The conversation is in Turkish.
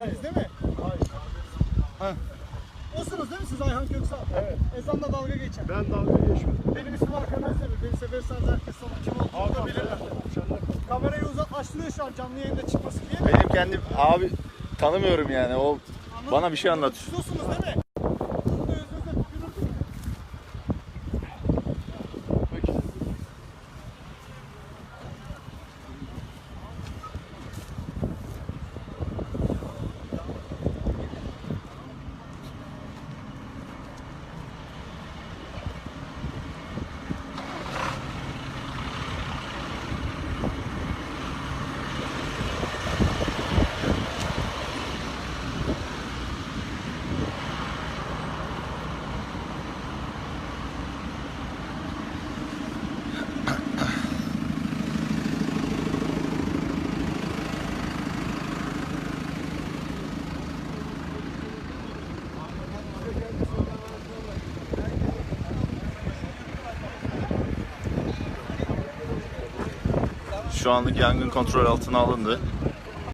Siz değil mi? Hayır. Ha. Osunuz değil mi siz Ayhan Köksal? Evet. Ezanla dalga geçen. Ben dalga geçmedim. Benim ismim Hakan Özdemir. Beni severseniz herkes sana kim olduğunu da bilirler. Kamerayı uzaklaştırıyor şu an canlı yayında çıkması diye. Benim kendim abi tanımıyorum yani. O bana bir şey anlatıyor. Siz osunuz değil mi? Burada özünüzde tükürürdük. Şu anlık yangın kontrol altına alındı.